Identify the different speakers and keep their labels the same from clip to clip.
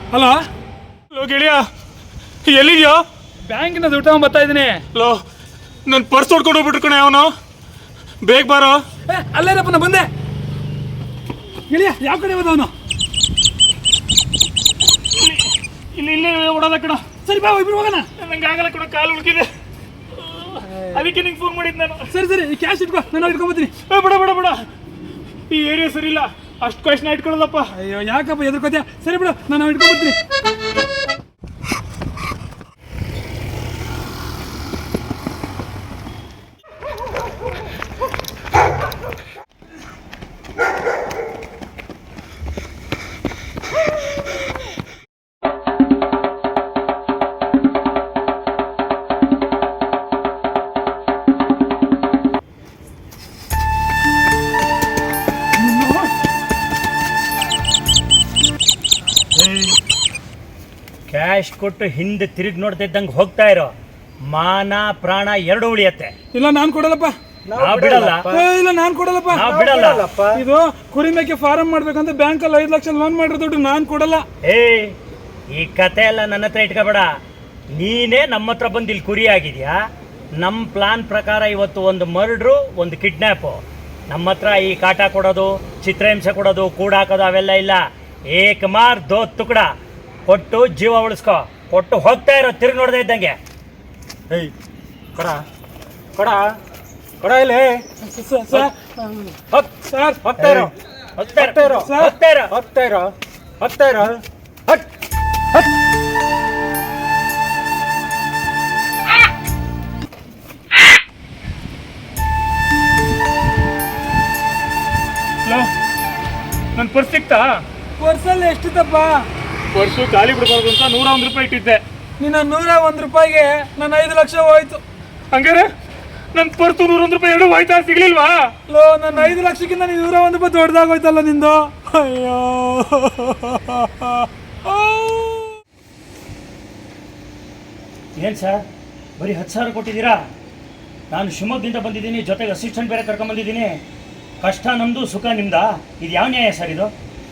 Speaker 1: Hello
Speaker 2: low ಗೆಳೆಯ, ಎಲ್ಲಿದ್ಯೋ?
Speaker 1: ಬ್ಯಾಂಕಿನ ದುಡ್ಡು ಬರ್ತಾ ಇದ್ದೀನಿ.
Speaker 2: ಲೋ, ನನ್ನ ಪರ್ಸ್ ಹೊಡ್ಕೊಂಡು ಹೋಗ್ಬಿಟ್ರು ಕಣೆ ಅವನು. ಬೇಗ ಬಾರೋ.
Speaker 1: ಅಲ್ಲೇನಪ್ಪ ನಾ ಬಂದೆ. ಗೆಳೆಯ ಯಾವ ಕಡೆ ಹೋದ ಅವನು?
Speaker 2: ಇಲ್ಲಿ ಓಡೋದ ಕಣ.
Speaker 1: ಸರಿ ಬಾ ಇಬ್ರು ಹೋಗೋಣ.
Speaker 2: ನಂಗೆ ಆಗಲ್ಲ ಕಣ, ಕಾಲು ಉಳ್ಕಿದೆ. ಅದಕ್ಕೆ ನಿಂಗೆ ಫೋನ್ ಮಾಡಿದ್ದು ನಾನು.
Speaker 1: ಸರಿ ಈ ಕ್ಯಾಶ್ ಇಟ್ಕೋ, ನಾನು ಇಟ್ಕೊಂಡ್ಬರ್ತೀನಿ.
Speaker 2: ಬಿಡ ಈ ಏರಿಯಾ ಸರಿ ಇಲ್ಲ, ಅಷ್ಟು ಕ್ವಶನ್ ಇಟ್ಕೊಳ್ಳೋದಪ್ಪ.
Speaker 1: ಅಯ್ಯೋ ಯಾಕಪ್ಪ ಎದುರ್ಕೋತೀಯ? ಸರಿ ಬಿಡು, ನಾನು ಇಟ್ಕೊಂಡ್ಬರ್ತೀನಿ.
Speaker 3: ಕ್ಯಾಶ್ ಕೊಟ್ಟು ಹಿಂದೆ ತಿರುಗಿ ನೋಡ್ತಿದ್ದಂಗೆ ಹೋಗ್ತಾ ಇರೋ, ಮಾನ ಪ್ರಾಣ ಎರಡು ಉಳಿಯತ್ತೆ.
Speaker 1: ಇಲ್ಲ ನಾನು ಕೊಡಲ್ಲಪ್ಪ.
Speaker 3: ನಾವ್ ಬಿಡಲ್ಲ.
Speaker 1: ಇಲ್ಲ ನಾನು ಕೊಡಲ್ಲಪ್ಪ.
Speaker 3: ನಾವ್ ಬಿಡಲ್ಲ.
Speaker 1: ಇದು ಕುರಿ ಮೇಕೆ ಫಾರಂ ಮಾಡ್ಬೇಕಂತ ಬ್ಯಾಂಕಲ್ಲಿ 5 ಲಕ್ಷ ಲೋನ್ ಮಾಡಿರೋ ದುಡ್ಡು ನಾನು ಕೊಡಲ್ಲ.
Speaker 3: ಈ ಕತೆ ಎಲ್ಲ ನನ್ನ ಹತ್ರ ಇಟ್ಕೋಬೇಡ. ನೀನೇ ನಮ್ಮ ಹತ್ರ ಬಂದು ಇಲ್ಲಿ ಕುರಿ ಆಗಿದ್ಯಾ. ನಮ್ಮ ಪ್ಲಾನ್ ಪ್ರಕಾರ ಇವತ್ತು ಒಂದು ಮರ್ಡ್ರು, ಒಂದು ಕಿಡ್ನ್ಯಾಪು. ನಮ್ಮ ಹತ್ರ ಈ ಕಾಟ ಕೊಡೋದು, ಚಿತ್ರಹಿಂಸೆ ಕೊಡೋದು, ಕೂಡಾಕೋದು ಅವೆಲ್ಲ ಇಲ್ಲ. ಏಕ್ ಮಾರ್ ದೋ ತುಕಡ ಕೊಟ್ಟು ಜೀವ ಉಳಿಸ್ಕೊ. ಕೊಟ್ಟು ಹೋಗ್ತಾ ಇರೋ, ತಿರುಗಿ ನೋಡದೆ ಇದ್ದಂಗೆ.
Speaker 1: ಕೊಡ ಇಲ್ಲಿ
Speaker 3: ಹೋಗ್ತಾ ಇರೋ.
Speaker 2: ನನ್ನ ಪರ್ಸ್ ಸಿಕ್ತಾ?
Speaker 1: ಪರ್ಸಲ್ಲಿ ಎಷ್ಟಿತ್ತಪ್ಪ?
Speaker 2: ಪರ್ಸು ಖಾಲಿ ಬಿಡಬಾರ್ದು ಅಂತ 101 ರೂಪಾಯಿ ಇಟ್ಟಿದ್ದೆ.
Speaker 1: ನಿನ್ನ 101 ರೂಪಾಯಿಗೆ ನನ್ನ 5 ಲಕ್ಷ ಹೋಯ್ತು.
Speaker 2: ಹಂಗಾರೆ ನನ್ನ ಪರ್ಸು 101 ರೂಪಾಯಿ ಎರಡು ಹೋಯ್ತಾ? ಸಿಗ್ಲಿಲ್ವಾ?
Speaker 1: ನನ್ನ 5 ಲಕ್ಷಕ್ಕಿಂತ ನೀನು 101 ರೂಪಾಯಿ ದೊಡ್ಡದಾಗೋಯ್ತಲ್ಲ ನಿಂದು. ಅಯ್ಯೋ
Speaker 3: ಏನು ಸರ್, ಬರೀ 10,000 ಕೊಟ್ಟಿದ್ದೀರಾ? ನಾನು ಶಿವಮೊಗ್ಗದಿಂದ ಬಂದಿದ್ದೀನಿ, ಜೊತೆಗೆ ಅಸಿಸ್ಟೆಂಟ್ ಬೇರೆ ಕರ್ಕೊಂಬಂದಿದ್ದೀನಿ. ಕಷ್ಟ ನಮ್ಮದು, ಸುಖ ನಿಮ್ದಾ? ಇದು ಯಾವ ನ್ಯಾಯ ಸರ್ ಇದು?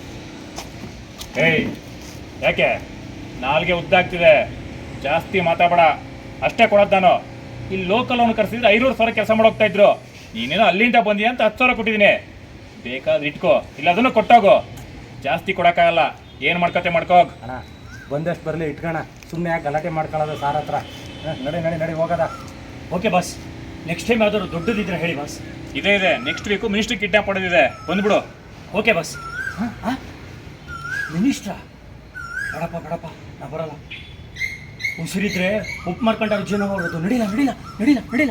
Speaker 2: ಯಾಕೆ ನಾಲ್ಗೆ ಉದ್ದಾಗ್ತಿದೆ? ಜಾಸ್ತಿ ಮಾತಾಡಬೇಡ. ಅಷ್ಟೇ ಕೊಡೋದು ನಾನು. ಇಲ್ಲಿ ಲೋಕಲ್ ಅವನು ಕರೆಸಿದ್ರೆ 500,000 ಕೆಲಸ ಮಾಡೋಗ್ತಾ ಇದ್ರು. ನೀನೇನೋ ಅಲ್ಲಿಂದ ಬಂದಿಯಾ ಅಂತ 10,000 ಕೊಟ್ಟಿದ್ದೀನಿ. ಬೇಕಾದ್ರೆ ಇಟ್ಕೋ, ಇಲ್ಲ ಅದನ್ನು ಕೊಟ್ಟೋಗು. ಜಾಸ್ತಿ ಕೊಡೋಕ್ಕಾಗಲ್ಲ. ಏನು ಮಾಡ್ಕೋಗ್
Speaker 4: ಅಣ್ಣ. ಬಂದಷ್ಟು ಬರಲಿ, ಇಟ್ಕೋಣ. ಸುಮ್ಮನೆ ಯಾಕೆ ಗಲಾಟೆ ಮಾಡ್ಕೊಳ್ಳೋದು ಸಾರ್ ಹತ್ರ? ನಡಿ ಹೋಗೋದ.
Speaker 3: ಓಕೆ ಬಾಸ್, ನೆಕ್ಸ್ಟ್ ಟೈಮ್ ಯಾವ್ದಾದ್ರು ದೊಡ್ಡದಿದ್ರೆ ಹೇಳಿ ಬಾಸ್.
Speaker 2: ಇದೆ ನೆಕ್ಸ್ಟ್ ವೀಕು ಮಿನಿಸ್ಟ್ರಿ ಕಿಡ್ನಾಪ್ ಮಾಡೋದಿದೆ, ಬಂದ್ಬಿಡು.
Speaker 3: Okay boss. ಮಿನಿಸ್ಟ್ರಾ? ಬೇಡಪ್ಪ, ನಾ ಬರಲ್ಲ. ಉಸಿರಿದ್ರೆ ಉಪ್ಪು ಮಾಡ್ಕೊಂಡ್ರೆ ಜೀವನ ಮಾಡೋದು. ನಡಿಲ್ಲ.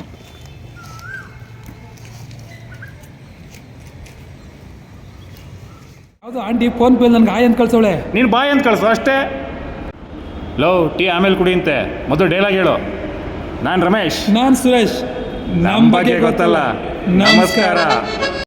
Speaker 1: ಹೌದು ಆಂಟಿ ಫೋನ್ ಪೇ ನನ್ಗೆ ಆಯ್ ಅಂತ ಕಳ್ಸೋಳೆ.
Speaker 2: ನೀನು ಬಾಯ್ ಅಂತ ಕಳಿಸು ಅಷ್ಟೇ. ಲೋ, ಟೀ ಆಮೇಲೆ ಕುಡಿ ಅಂತೆ, ಮೊದಲು ಡೈಲಾಗ್ ಹೇಳು. ನಾನು ರಮೇಶ್.
Speaker 1: ನಾನು ಸುರೇಶ್.
Speaker 2: ನಮ್ಮ ಬಗ್ಗೆ ಗೊತ್ತಲ್ಲ. ನಮಸ್ಕಾರ.